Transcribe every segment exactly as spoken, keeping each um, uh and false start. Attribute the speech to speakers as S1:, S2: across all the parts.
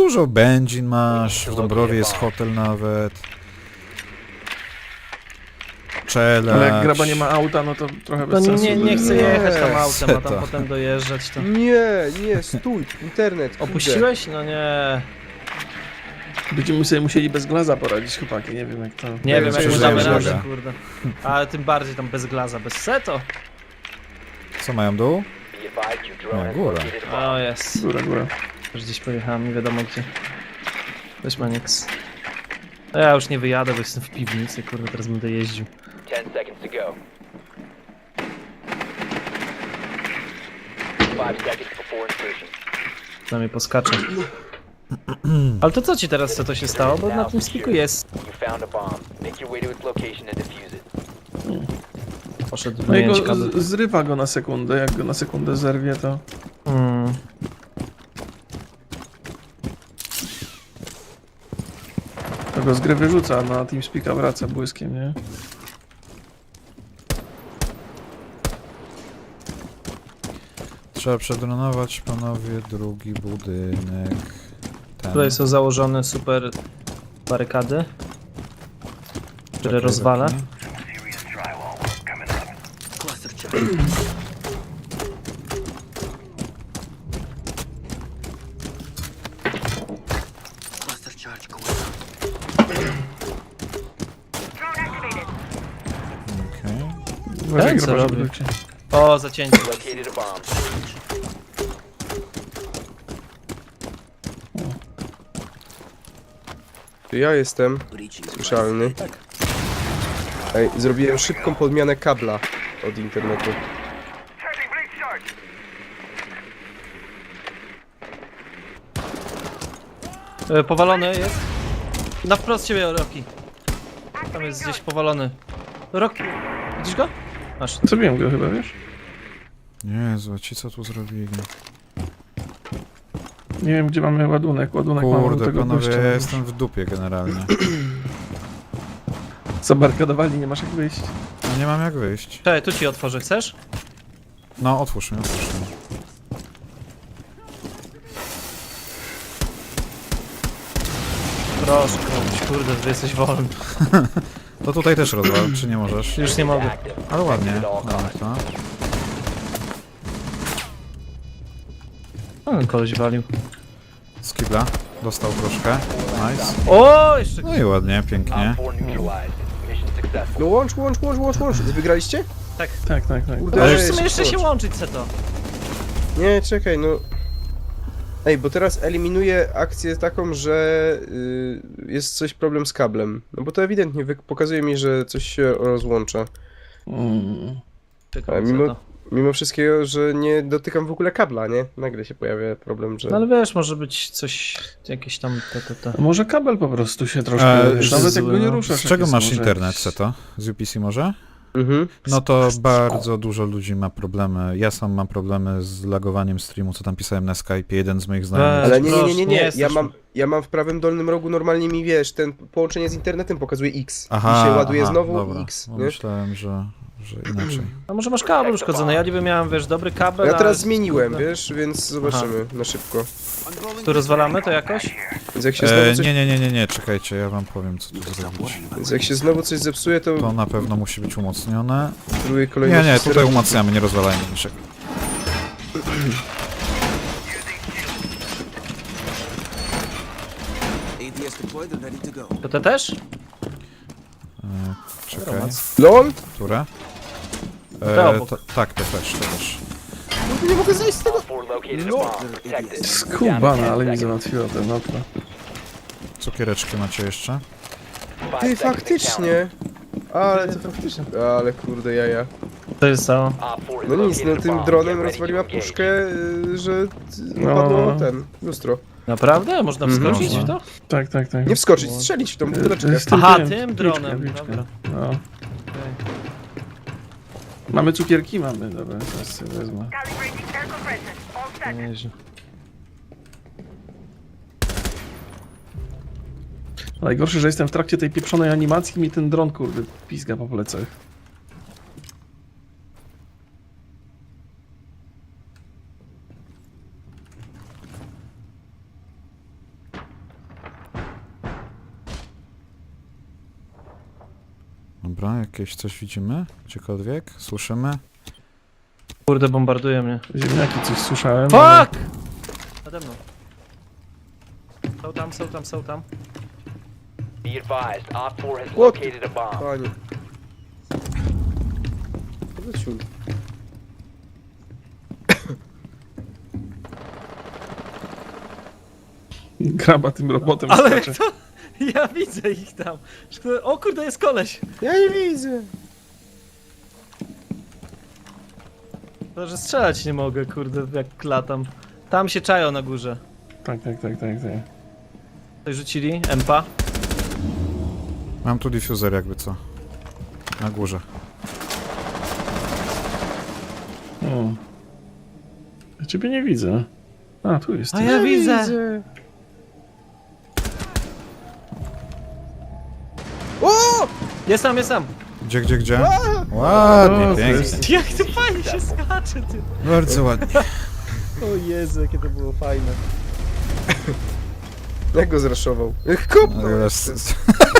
S1: dużo benzin masz, w Dąbrowie jest hotel nawet. Czelać.
S2: Ale jak graba nie ma auta, no to trochę bez
S3: No
S2: sensu.
S3: nie, nie chcę jechać tam autem, a
S1: Seta.
S3: tam potem dojeżdżać to.
S4: Nie, nie, stój, internet, kurde.
S3: Opuściłeś? No nie.
S2: Będziemy sobie musieli bez glaza poradzić, chłopaki, nie wiem jak to...
S3: Nie wiem, jak
S1: myślę,
S3: my
S1: że
S3: damy
S1: jest
S3: radę,
S1: droga.
S3: kurde. Ale tym bardziej tam bez glaza, bez seto.
S1: Co mają dół? Nie, góra.
S3: O jest.
S2: Góra, góra.
S3: Już gdzieś pojechałem, nie wiadomo gdzie. Weź Manix. No ja już nie wyjadę, bo jestem w piwnicy, kurde, teraz będę jeździł.
S5: Ten seconds to go. Five seconds before insertion.
S3: Na mnie poskacze. Ale to co ci teraz, co to się stało? Bo na tym spiku jest.
S5: You found a bomb. Make your way to its location and defuse it.
S3: Poszedł
S2: No i
S3: wymienić
S2: go
S3: kabel.
S2: z- zrywa go na sekundę, jak go na sekundę zerwie, to...
S3: Hmm.
S2: To go z gry wyrzuca, a na TeamSpeaka wraca błyskiem, nie?
S1: Trzeba przedronować, panowie, drugi budynek. Ten.
S3: Tutaj są założone super barykady, które
S1: Czekaj,
S3: rozwala.
S1: Rocky. Okej.
S2: Uważaj,
S3: Ten co
S2: graba,
S3: robi?
S2: żeby cię...
S3: O, zacięcie.
S5: Located a bomb.
S4: To ja jestem słyszalny. Ej, zrobiłem szybką podmianę kabla od internetu.
S3: E, powalony jest. Na wprost ciebie, Rocky. Tam jest gdzieś powalony. Rocky, widzisz go? Masz.
S2: Zrobiłem go chyba, wiesz?
S1: Jezu, ci co tu zrobili?
S2: Nie wiem, gdzie mamy ładunek. Ładunek mamy do
S1: Kurde,
S2: tego
S1: panowie,
S2: gościa.
S1: ja jestem w dupie generalnie.
S2: Zabarkadowali, nie masz jak wyjść.
S1: No nie mam jak wyjść.
S3: Czekaj, tu ci otworzę, chcesz?
S1: No, otwórz mi, otwórz mi.
S3: Proszę, komuś, kurde, ty jesteś wolny.
S1: To tutaj też rozwal, czy nie możesz?
S3: Już nie mogę.
S5: Active.
S1: Ale ładnie,
S5: At all
S1: damy
S5: costs.
S1: to.
S3: O, koleś walił.
S1: Skibla, dostał troszkę. Nice.
S3: O, jeszcze.
S1: No i ładnie, pięknie.
S5: Op four neutralized. Mission successful.
S4: No łącz, łącz, łącz, łącz, łącz. Wygraliście?
S3: Tak.
S2: Tak, tak, tak.
S4: Kurde.
S3: Możesz w
S4: Ej,
S3: sumie jeszcze się
S4: skocz.
S3: łączyć, Seto.
S4: Nie, czekaj, no... Ej, bo teraz eliminuję akcję taką, że y, jest coś problem z kablem. No bo to ewidentnie wy- pokazuje mi, że coś się rozłącza.
S2: Mm.
S3: Czekam,
S4: Ale mimo,
S3: Seto.
S4: mimo wszystkiego, że nie dotykam w ogóle kabla, nie? Nagle się pojawia problem, że...
S3: No ale wiesz, może być coś, jakieś tam te, te, te.
S2: A może kabel po prostu się troszkę...
S1: E,
S2: wiesz,
S1: z-
S2: nawet jak go nie
S3: z-
S2: ruszasz.
S1: Z czego
S2: jak
S1: masz
S2: jest, może
S1: internet,
S2: jakiś-
S1: Seto? Z U P C może?
S4: Mhm.
S1: No to bardzo dużo ludzi ma problemy. Ja sam mam problemy z lagowaniem streamu, co tam pisałem na Skype. Jeden z moich znajomych.
S4: Ale nie, nie, nie,
S3: Proszę,
S4: nie,
S3: nie
S4: nie.
S3: jesteś-
S4: Ja mam, ja mam w prawym dolnym rogu normalnie mi, wiesz, ten połączenie z internetem pokazuje X.
S1: Aha,
S4: I się ładuje
S1: aha,
S4: znowu
S1: dobra.
S4: X,
S1: No
S4: nie?
S1: myślałem, że, że inaczej.
S3: A może masz kabel uszkodzony? Ja niby miałem, wiesz, dobry kabel.
S4: Ja teraz
S3: ale-
S4: zmieniłem,
S3: kurde.
S4: wiesz, więc zobaczymy na szybko.
S3: Tu rozwalamy to jakoś?
S4: Więc jak się znowu
S1: E,
S4: coś,
S1: nie, nie, nie, nie, nie, czekajcie, ja wam powiem, co tu zrobić.
S4: więc jak się znowu coś zepsuje, to
S1: To na pewno musi być umocnione.
S4: próbuję
S1: Nie,
S4: kolejność.
S1: nie, tutaj umacniamy, nie rozwalajmy niczego.
S3: To te też?
S1: E, czekaj,
S4: LOL?
S1: które?
S3: Te
S1: E,
S3: obok.
S1: to, tak, to też, to też.
S4: Nie mogę zejść z tego.
S5: Op four located a bomb. Protect it.
S2: Skubana, ale mi załatwiła ten okno.
S1: Cukiereczki macie jeszcze?
S5: Five
S4: Ty,
S5: seconds to count.
S4: faktycznie. Ale to faktycznie. Ale kurde jaja.
S3: To jest cało.
S5: Op four is
S4: No nic, no
S5: located a
S4: tym
S5: bomb.
S4: dronem
S5: Get ready
S4: rozwaliła
S5: to engage.
S4: puszkę, y, że y,
S2: No.
S4: padło ten, lustro.
S3: Naprawdę? Można
S4: Mhm.
S3: wskoczyć w
S1: Można.
S3: to?
S2: Tak, tak, tak.
S4: Nie wskoczyć, strzelić w tą buteleczkę.
S2: Z tym
S3: Aha,
S2: tym,
S3: tym
S2: piłeczkę,
S3: dronem,
S2: piłeczkę.
S3: dobra.
S2: No. Mamy cukierki? Mamy, dobra, teraz sobie wezmę.
S3: Nieźle.
S2: Najgorsze, że jestem w trakcie tej pieprzonej animacji i mi ten dron, kurde, pizga po plecach.
S1: Dobra, jakieś coś widzimy? Gdziekolwiek? Słyszymy?
S3: Kurde, bombarduje mnie.
S2: Ziemniaki coś słyszałem. ale-
S3: Fuck! Nade mną. Są tam, są tam, są tam.
S5: Be advised, Op four has
S4: What?
S5: located a bomb.
S4: Panie. Wrócił.
S2: Graba tym robotem
S3: Ale
S2: skacze.
S3: to... Ja widzę ich tam. O kurde, jest koleś.
S4: Ja nie widzę.
S3: To, że strzelać nie mogę, kurde, jak latam. Tam się czają na górze.
S2: Tak, tak, tak, tak, tak.
S3: Coś rzucili? Empa?
S1: Mam tu diffuser jakby co. Na górze.
S2: O. Ja ciebie nie widzę. A, tu jest.
S3: A ja widzę.
S4: O!
S3: Jest tam, jest tam.
S1: Gdzie, gdzie, gdzie? Ładnie,
S2: O, to
S1: pięknie.
S2: jest-
S3: Jak to fajnie się skacze, ty.
S1: Bardzo ładnie.
S3: O Jezu, jakie to było fajne.
S4: Jak go zraszował? Kopnął!
S1: Ale
S4: jeszcze.
S1: s-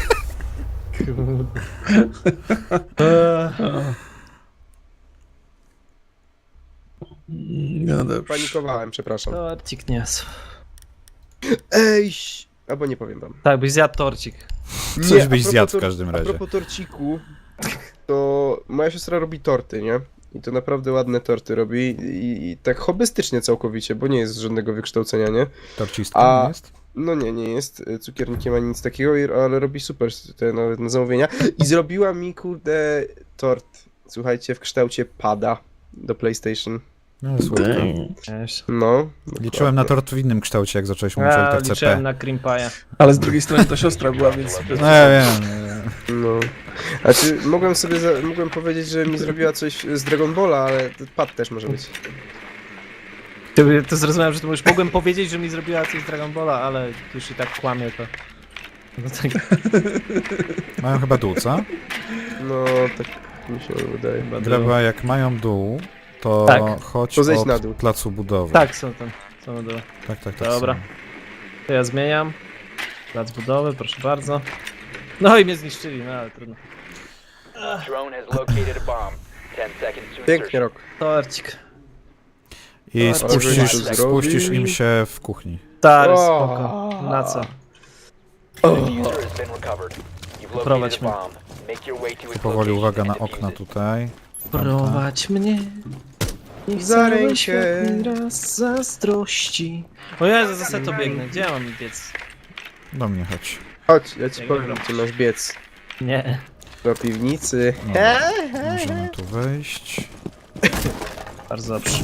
S2: No dobrze.
S4: Panikowałem, przepraszam.
S3: Torcik niosł.
S4: Ej! ś- Albo nie powiem wam.
S3: Tak, byś zjadł torcik.
S1: Coś
S4: Nie, a
S1: byś
S4: propos
S1: zjadł w
S4: tor-
S1: każdym
S4: A
S1: razie.
S4: propos torciku, to moja siostra robi torty, nie? I to naprawdę ładne torty robi i, i tak hobbystycznie całkowicie, bo nie jest żadnego wykształcenia, nie?
S1: Torcistką
S4: A-
S1: jest?
S4: No nie, nie jest y, cukiernikiem ani nic takiego, i- ale robi super te nawet na zamówienia. I zrobiła mi, kurde, tort, słuchajcie, w kształcie pada do PlayStation.
S1: No, słodko.
S3: Cześć.
S4: No.
S1: Liczyłem na
S4: dokładnie.
S1: tort w innym kształcie, jak zacząłeś mówić o
S3: Ja
S1: L T C
S3: liczyłem
S1: P.
S3: na cream pie'a.
S2: Ale z drugiej strony to siostra była, więc...
S1: No ja wiem. ja wiem.
S4: No. Znaczy, mogłem sobie, za, mogłem powiedzieć, że mi zrobiła coś z Dragon Balla, ale pad też może być.
S3: Ty, to zrozumiałem, że to już mogłem powiedzieć, że mi zrobiła coś z Dragon Balla, ale już i tak kłamie to. No tak,
S1: Mają chyba dół, co?
S4: No, tak mi się wydaje.
S3: chyba
S1: Graba, jak mają dół, to
S3: Tak.
S1: chodź
S4: To zejdź
S1: od
S4: na dół.
S1: placu budowy.
S3: Tak, są tam. Są na dole.
S1: tak, tak. tak
S3: Dobra.
S1: są.
S3: To ja zmieniam. Plac budowy, proszę bardzo. No i mnie zniszczyli, no ale trudno.
S5: Drone has located a bomb. Ten seconds to
S4: Pięknie,
S5: insertion.
S4: Rok.
S3: Torcik.
S1: I
S3: Ale
S1: spuścisz,
S4: żeby
S1: spuścisz
S4: zrobić-
S1: im się w kuchni.
S3: Stary,
S4: O.
S3: spoko. Na co?
S5: The diffuser has been recovered. You've
S3: Prowadź
S5: located a
S3: mnie.
S5: bomb. Make your way to
S1: Tu
S5: its
S1: powoli
S5: location
S1: uwaga na
S5: and defuse
S1: okna
S5: it.
S1: tutaj.
S3: Prowadź mnie. Niech
S4: Za
S3: cały
S4: rękę.
S3: świat mi raz zazdrości. O Jezu, za seto biegnę. Gdzie ja mam biec?
S1: Do mnie chodź.
S4: Chodź, ja ci
S3: Jak
S4: powiem,
S3: dobra.
S4: gdzie masz biec.
S3: Nie.
S4: Do piwnicy.
S1: Dobra. Możemy tu wejść.
S3: Bardzo dobrze.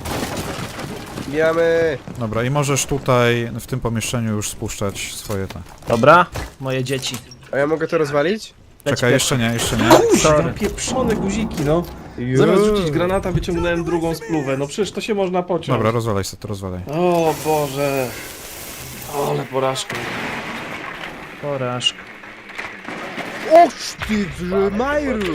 S4: Bijamy!
S1: Dobra, i możesz tutaj, w tym pomieszczeniu już spuszczać swoje te.
S3: Dobra, moje dzieci.
S4: A ja mogę to rozwalić?
S3: Leć
S1: Czekaj,
S3: pies.
S1: jeszcze nie, jeszcze nie.
S3: Sorry.
S2: Pieprzone guziki, no. Zamiast rzucić granata, wyciągnąłem drugą spluwę. No przecież to się można pociąć.
S1: Dobra, rozwalaj sobie to, rozwalaj.
S2: O Boże. Ale porażka.
S3: Porażka.
S4: Oż ty w Majru!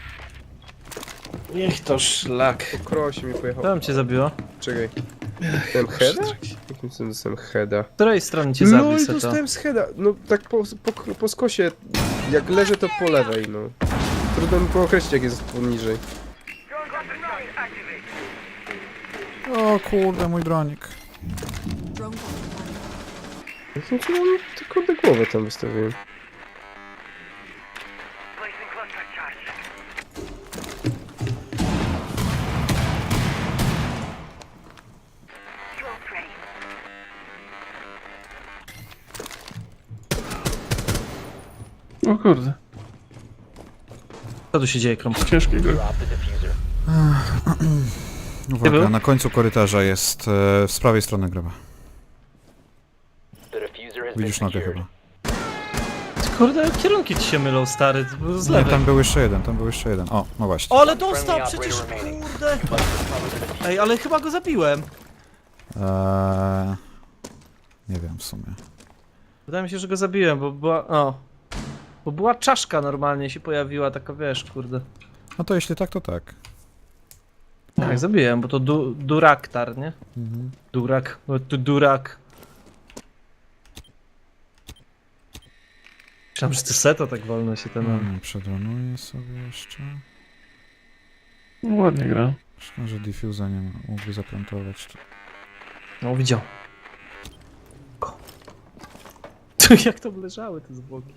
S2: Niech to szlak.
S4: Kroś mi pojechał.
S3: Co tam cię zabiło?
S4: Czekaj. Dostałem heada? Jakim cudem dostałem heada?
S3: Z której strony cię
S4: No
S3: zabił
S4: i
S3: se to?
S4: dostałem z heada. No tak po, po, po skosie. Jak leżę to po lewej, no. Trudno mi pookreślić jak jest poniżej.
S1: O kurde, mój dronik.
S4: Jakim cudem tylko do głowy tam wystawiłem.
S2: O kurde.
S3: Co tu się dzieje, Krąb?
S2: Ciężkiego.
S5: Drop the diffuser.
S1: Uwaga,
S3: był?
S1: na końcu korytarza jest, e, z prawej strony graba.
S5: The diffuser has been
S1: Widzisz nogę
S5: secured.
S1: chyba.
S3: Kurde, kierunki ci się mylą, stary. To było z
S1: Nie,
S3: lewej.
S1: tam był jeszcze jeden, tam był jeszcze jeden. O, no właśnie.
S3: O, ale dostał przecież, kurde. Ej, ale chyba go zabiłem.
S1: Eee, nie wiem w sumie.
S3: Wydaje mi się, że go zabiłem, bo była... O. Bo była czaszka normalnie się pojawiła, taka wiesz, kurde.
S1: No to jeśli tak, to tak.
S3: Tak, zabiłem, bo to du duraktar, nie?
S1: Mhm.
S3: Durak, bo tu durak. Myślałem, że to seto tak wolno się ten...
S1: Hmm, przedłanuję sobie jeszcze.
S2: No, ładnie gra.
S1: Szkoda, że diffusa nie ma. Mógłby zaplantować to.
S3: No, widział. Ko. Jak to leżały te zwłoki.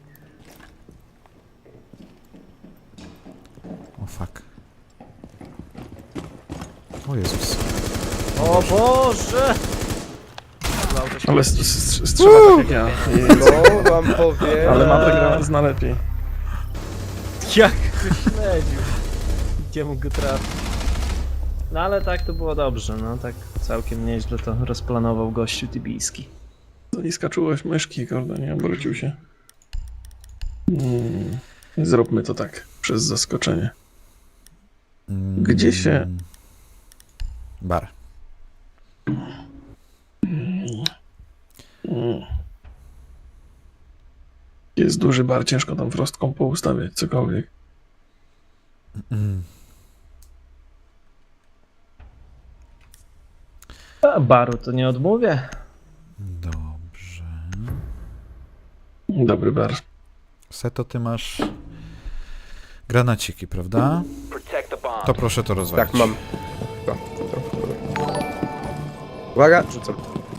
S1: O fuck. O Jezus.
S3: O Boże!
S2: Ale s- s- strzela tak jak ja.
S4: No, wam powiem.
S2: Ale ma gra zna lepiej.
S3: Jak go śledził. Gdzie mógł go trafić? No ale tak to było dobrze, no tak całkiem nieźle to rozplanował gościu tybijski.
S2: Za niska czułość myszki, kurde, nie obrócił się. Hmm. Zróbmy to tak, przez zaskoczenie.
S1: Mm,
S2: Gdzie się-
S1: Bar.
S2: Hmm. Jest duży bar, ciężko tam frostką poustawiać, cokolwiek.
S1: Mm.
S3: A baru to nie odmówię.
S1: Dobrze.
S2: Dobry bar.
S1: Seto, ty masz granaciki, prawda?
S5: Protect the bomb.
S1: To proszę to rozwalić.
S4: Tak, mam. To, to, dobra. Uwaga, rzucam.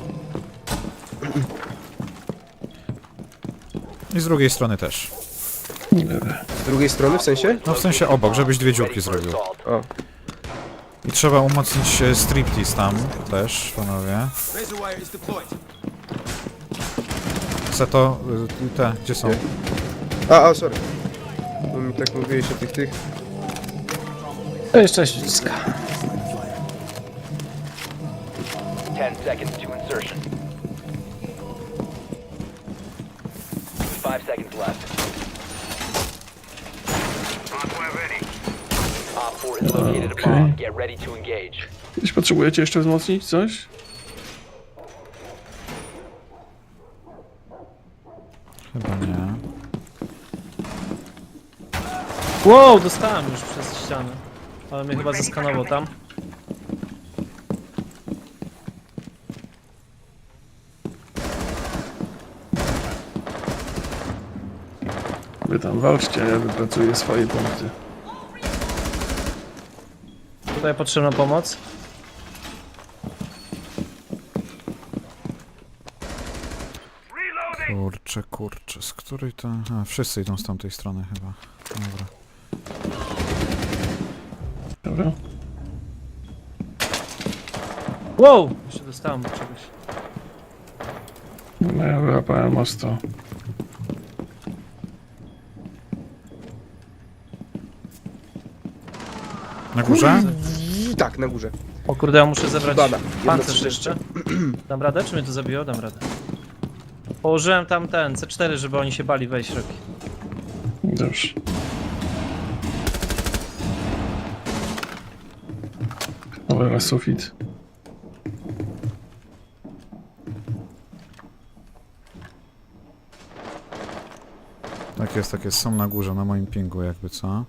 S1: I z drugiej strony też.
S2: Dobra.
S4: Z drugiej strony, w sensie?
S1: No w sensie obok, żebyś dwie dziurki zrobił.
S4: O,
S1: I trzeba umocnić e, striptease tam też, panowie. Seto, y, te, gdzie są?
S4: Nie. a, a, sorry. Bo mi tak mówiłeś o tych, tych.
S3: To jeszcze ściska.
S5: Ten seconds to insertion. Five seconds left. Op four has located a
S2: Okay.
S5: bomb. Get ready to engage.
S2: Jeśli potrzebujecie jeszcze wzmocnić coś?
S1: Chyba nie.
S3: Wow, dostałem już przez ścianę. Ale mnie chyba zeskanował tam.
S2: Wy tam walczcie, a ja wypracuję swoje punkty.
S3: Tutaj potrzebna pomoc.
S1: Kurczę, kurczę, z której to... A, wszyscy idą z tamtej strony chyba. Dobra.
S2: Dobra?
S3: Wow! Jeszcze dostałem do czegoś.
S2: No ja wyłapałem ostro.
S1: Na górze?
S4: I tak, na górze.
S3: O kurde, ja muszę zebrać
S4: Bada, jedno
S3: pancerz
S4: trzy.
S3: jeszcze. Dam radę? Czy mnie to zabiło? Dam radę. Położyłem tam ten C cztery, żeby oni się bali wejść roki.
S2: Dobrze. Dobra, sufit.
S1: Tak jest, tak jest. Są na górze, na moim pingu jakby, co?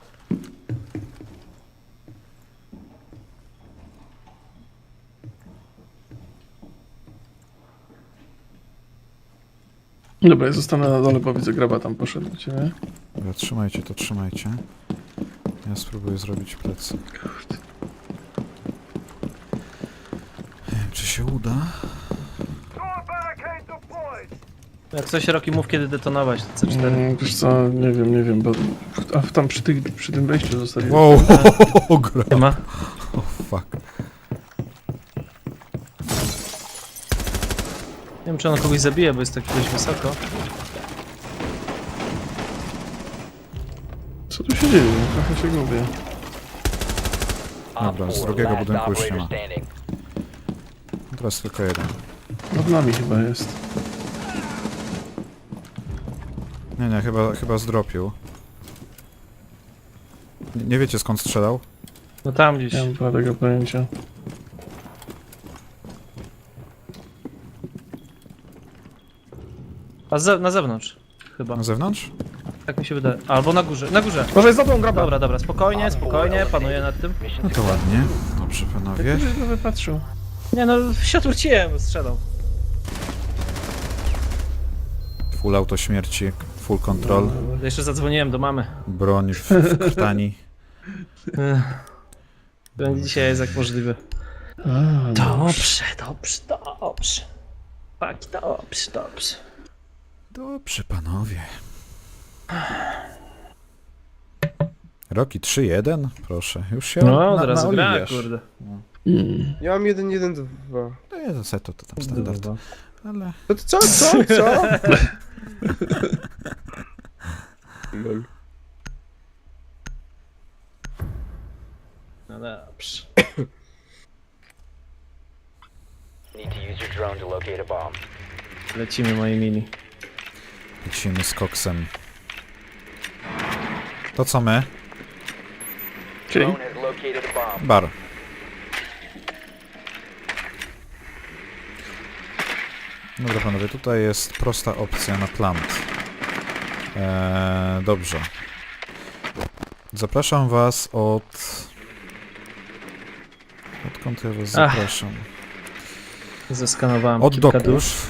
S2: Dobra, ja zostanę na dole, bo widzę graba tam poszedł do ciebie.
S1: Dobra, trzymajcie to, trzymajcie. Ja spróbuję zrobić plecy. Nie wiem, czy się uda.
S3: Jak coś Roki, mów kiedy detonować te C cztery.
S2: Mm, wiesz co, nie wiem, nie wiem, bo a tam przy, tych, przy tym wejściu zostawiłem.
S1: Wow, gra.
S3: Nie ma.
S1: Oh, fuck.
S3: Nie wiem, czy on kogoś zabije, bo jest tak dość wysoko.
S2: Co tu się dzieje? Trochę się gubię.
S5: Op
S1: Dobra, z
S5: four,
S1: drugiego
S5: last
S1: budynku już nie
S5: operator
S1: ma.
S5: standing.
S1: Teraz tylko jeden.
S2: Nad nami chyba jest.
S1: Nie, nie, chyba, chyba zdropił. Nie, nie wiecie skąd strzelał?
S3: No tam gdzieś.
S2: Nie mam bladego pojęcia.
S3: A ze na zewnątrz. Chyba.
S1: Na zewnątrz?
S3: Tak mi się wydaje. Albo na górze. Na górze.
S2: Może jest za tą graba!
S3: Dobra, dobra, spokojnie, spokojnie, panuję nad tym.
S5: Mission
S1: No to ładnie. Dobrze, panowie.
S2: Jak ktoś go wypatrzył.
S3: Nie no, się odwróciłem, strzelał.
S1: Full auto śmierci full control,
S3: Jeszcze zadzwoniłem do mamy.
S1: broń w, w krtani.
S3: Ech. Będzie dzisiaj jest jak możliwe. Dobrze, dobrze, dobrze. Tak, dobrze, dobrze.
S1: Dobrze, panowie. Roki trzy jeden? Proszę, już się
S3: No,
S1: na,
S3: od razu gra,
S1: naoliwiasz.
S3: kurde.
S4: Ja mam jeden, jeden, dwa.
S1: No nie, to seto to tam standard,
S3: Kurwa.
S1: ale...
S4: No to co, co, co? Lol.
S3: No dobrze.
S5: Need to use your drone to locate a bomb.
S3: Lecimy moi mini.
S1: Lecimy z koksem. To co my?
S5: Drone has located a bomb.
S1: Bar. Dobra panowie, tutaj jest prosta opcja na plant. Eee, dobrze. Zapraszam was od... Odkąd ja was
S3: Ach.
S1: zapraszam?
S3: Zeskanowałem
S1: Od
S3: kilka dusz.
S1: doków.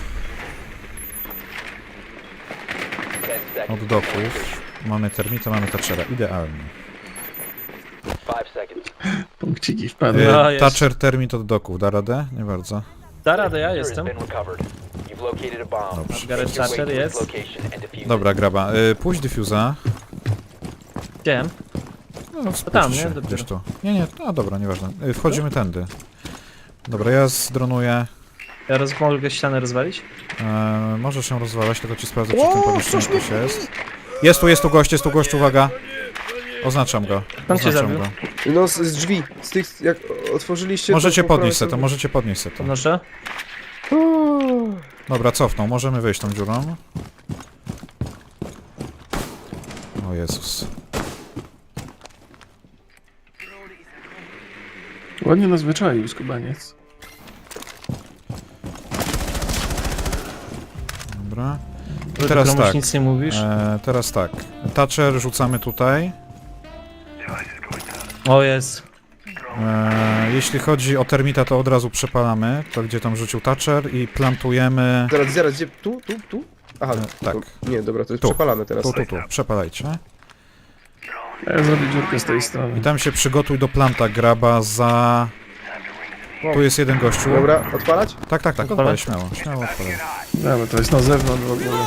S5: Ten seconds.
S1: Od doków. Mamy termita, mamy Thatchera. Idealnie.
S5: Five seconds.
S2: Punkciki wpadły.
S3: No,
S1: Eee,
S3: jest.
S1: Thatcher termit od doków. Da radę? Nie bardzo.
S3: Da radę, ja
S5: Diffuser
S3: jestem.
S5: has been recovered. You've located a bomb.
S1: Dobrze.
S3: Margaret
S5: Make your way
S3: Thatcher
S5: to its
S3: jest.
S5: location and defuse it.
S1: Dobra, graba. Eee, puść diffusa.
S3: Chciałem.
S1: No,
S3: tam,
S1: tam,
S3: nie?
S1: się,
S3: Dopiero.
S1: gdzieś tu. Nie, nie, no dobra, nieważne. Y, Wchodzimy tędy. Dobra, ja zdronuję.
S3: Ja roz... mogę ścianę rozwalić?
S1: E, może się rozwalać, tylko ci sprawdzę, czy w tym pomieszczeniu ktoś jest. Jest tu, jest tu gość, jest tu gość, uwaga. Oznaczam go.
S3: Tam cię
S1: Oznaczam
S3: zabił.
S1: go.
S4: No z, z drzwi, z tych, jak otworzyliście...
S1: Możecie
S4: to po
S1: podnieść
S4: prawej
S1: se to, możecie podnieść se to.
S3: Podnoszę.
S4: stronie-
S1: Dobra, cofnął, możemy wyjść tą dziurą. O Jezus.
S2: Ładnie nas wyczaił skubaniec.
S1: Dobra.
S3: Ty
S1: Teraz
S3: komuś
S1: tak.
S3: nic nie mówisz?
S1: E, teraz tak. Thatcher rzucamy tutaj.
S3: O jest.
S1: E, jeśli chodzi o termita, to od razu przepalamy. To gdzie tam rzucił Thatcher i plantujemy...
S4: Zaraz, zaraz, gdzie? Tu, tu, tu? Aha,
S1: E, tak.
S4: To, nie, dobra, to jest
S1: Tu.
S4: przepalamy teraz.
S1: Tu, tu, tu. Przepalajcie.
S2: A ja zrobię dziurkę z tej
S1: I
S2: strony.
S1: tam się przygotuj do planta, graba za... Tu jest jeden gościu.
S4: Dobra, odpalać?
S1: Tak, tak, tak, odpalaj, śmiało, śmiało odpalaj.
S2: Dobra, to jest na zewnątrz w ogóle.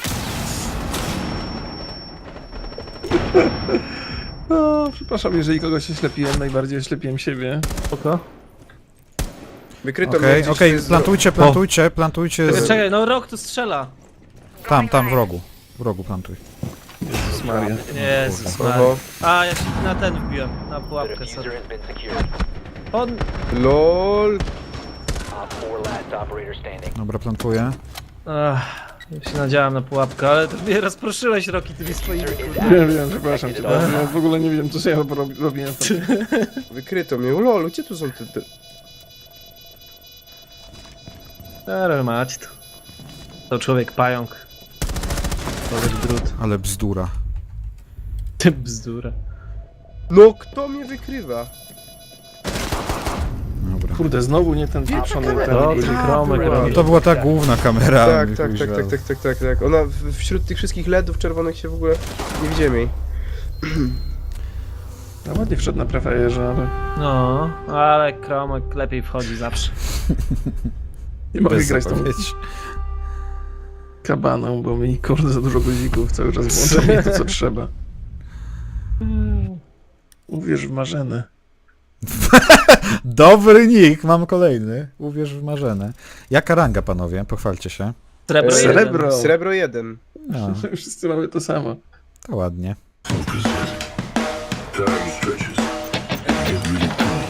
S2: No, przepraszam, jeżeli kogoś oślepiłem, najbardziej oślepiłem siebie.
S3: Spoko.
S4: Wykryto mnie
S1: Okej,
S4: gdzieś,
S1: okej,
S4: tu jest-
S1: plantujcie, plantujcie, plantujcie
S3: Czekaj,
S1: z...
S3: czekaj, no rok tu strzela.
S1: Tam, tam, w rogu. W rogu plantuj.
S2: Jezus Maria.
S3: Jezus Maria.
S4: Oho.
S3: A, ja się na ten wbiłem. Na
S5: The
S3: pułapkę
S5: diffuser
S3: sobie.
S5: has been secured.
S3: On...
S4: LOL.
S5: Op four last operator standing.
S1: Dobra, plantuję.
S3: Ach, ja się nadziałem na pułapkę, ale to mnie rozproszyłeś, Roki, tymi swoimi kurde.
S2: Wiem, wiem, przepraszam cię. Ja w ogóle nie wiem, co ja rob- robiłem tam.
S4: Wykryto mnie. LOL, gdzie tu są te... te...
S3: Ale mać to. To człowiek pająk. Człowiek drut.
S1: Ale bzdura.
S3: Ty bzdura.
S4: No, kto mnie wykrywa?
S1: Dobra.
S2: Kurde, znowu nie ten pieprzony ten
S3: No,
S2: guzik.
S3: ten kromek
S1: No
S3: robi.
S1: to była ta główna kamera.
S4: Tak,
S1: mi
S4: tak,
S1: chuj
S4: tak, tak,
S1: żal.
S4: tak, tak, tak, tak. Ona w, wśród tych wszystkich ledów czerwonych się w ogóle nie widzimy jej.
S2: No ładnie wszedł na prefajerze, ale
S3: No, ale kromek lepiej wchodzi zawsze.
S2: nie mogę
S1: Bez
S2: grać tą
S1: zapowiedzi.
S2: kabaną, bo mi kurde za dużo guzików cały czas włącza mnie to, co trzeba. Uwierz w marzene.
S1: Dobry nick, mam kolejny. Uwierz w marzene. Jaka ranga, panowie? Pochwalcie się.
S3: Srebro
S4: E,
S3: jeden.
S2: Srebro.
S4: Srebro jeden.
S1: No,
S2: Wszyscy mamy to samo.
S1: to ładnie.
S6: Time stretches. Get really cool.